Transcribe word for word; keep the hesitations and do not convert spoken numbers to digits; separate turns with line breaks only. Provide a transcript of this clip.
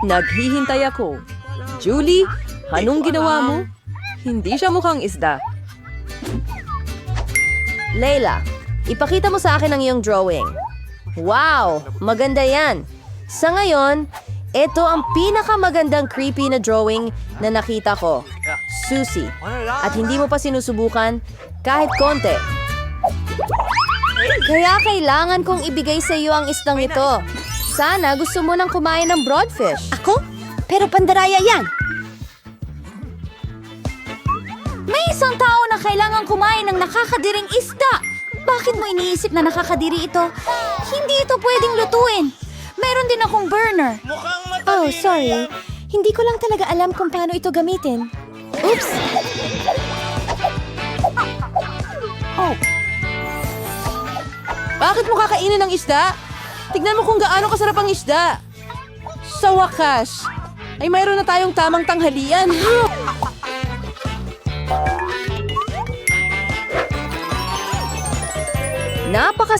Naghihintay ako. Julie, anong ginawa mo? Hindi siya mukhang isda.
Layla, ipakita mo sa akin ang iyong drawing. Wow, maganda yan. Sa ngayon, ito ang pinakamagandang creepy na drawing na nakita ko. Susie. At hindi mo pa sinusubukan kahit konti. Kaya kailangan kong ibigay sa iyo ang isdang ito. Sana gusto mo nang kumain ng broadfish.
Ako? Pero pandaraya yan. May isang tao na kailangan kumain ng nakakadiring isda. Bakit mo iniisip na nakakadiri ito? Hindi ito pwedeng lutuin. Meron din akong burner. Oh, sorry. Hindi ko lang talaga alam kung paano ito gamitin. Oops!
Oh. Bakit mo kakainin ng isda? Tignan mo kung gaano kasarap ang isda. Sa wakas, ay mayroon na tayong tamang tanghalian.
Napaka